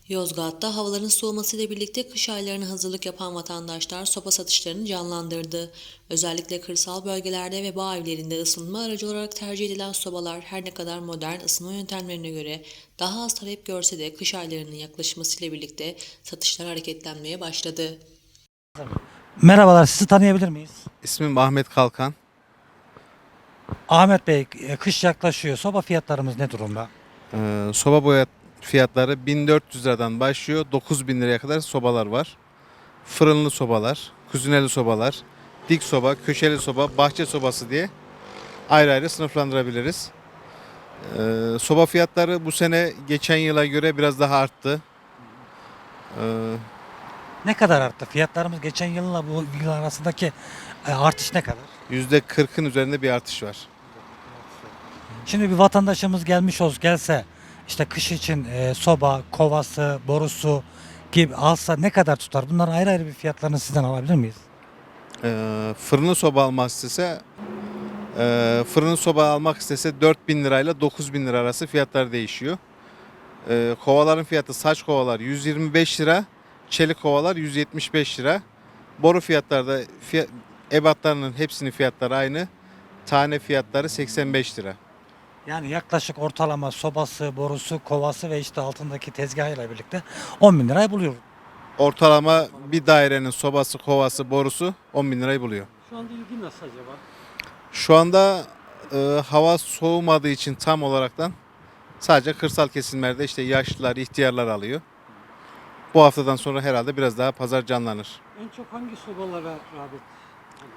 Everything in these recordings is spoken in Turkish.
Yozgat'ta havaların soğumasıyla birlikte kış aylarına hazırlık yapan vatandaşlar soba satışlarını canlandırdı. Özellikle kırsal bölgelerde ve bağ evlerinde ısınma aracı olarak tercih edilen sobalar her ne kadar modern ısınma yöntemlerine göre daha az talep görse de kış aylarının yaklaşmasıyla birlikte satışlar hareketlenmeye başladı. Merhabalar, sizi tanıyabilir miyiz? İsmim Ahmet Kalkan. Ahmet Bey, kış yaklaşıyor. Soba fiyatlarımız ne durumda? Soba boya fiyatları 1400 liradan başlıyor. 9000 liraya kadar sobalar var. Fırınlı sobalar, kuzineli sobalar, dik soba, köşeli soba, bahçe sobası diye ayrı ayrı sınıflandırabiliriz. Soba fiyatları bu sene geçen yıla göre biraz daha arttı. Ee, Ne kadar arttı? Fiyatlarımız geçen yılla bu yıl arasındaki artış ne kadar? %40'ın üzerinde bir artış var. Şimdi bir vatandaşımız gelse işte kış için soba, kovası, borusu gibi alsa ne kadar tutar? Bunların ayrı ayrı bir fiyatlarını sizden alabilir miyiz? Fırınlı soba almak istese fırın soba almak istese 4000 lirayla 9000 lira arası fiyatlar değişiyor. Kovaların fiyatı saç kovalar 125 lira, çelik kovalar 175 lira. Boru fiyatlarda ebatlarının hepsinin fiyatları aynı. Tane fiyatları 85 lira. Yani yaklaşık ortalama sobası, borusu, kovası ve işte altındaki tezgahıyla birlikte 10 bin lirayı buluyor. Ortalama bir dairenin sobası, kovası, borusu 10 bin lirayı buluyor. Şu anda ilgi nasıl acaba? Şu anda hava soğumadığı için tam olaraktan sadece kırsal kesimlerde işte yaşlılar, ihtiyarlar alıyor. Bu haftadan sonra herhalde biraz daha pazar canlanır. En çok hangi sobalara rağbet?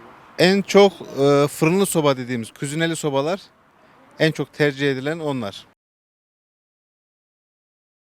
En çok fırınlı soba dediğimiz kuzineli sobalar en çok tercih edilen onlar.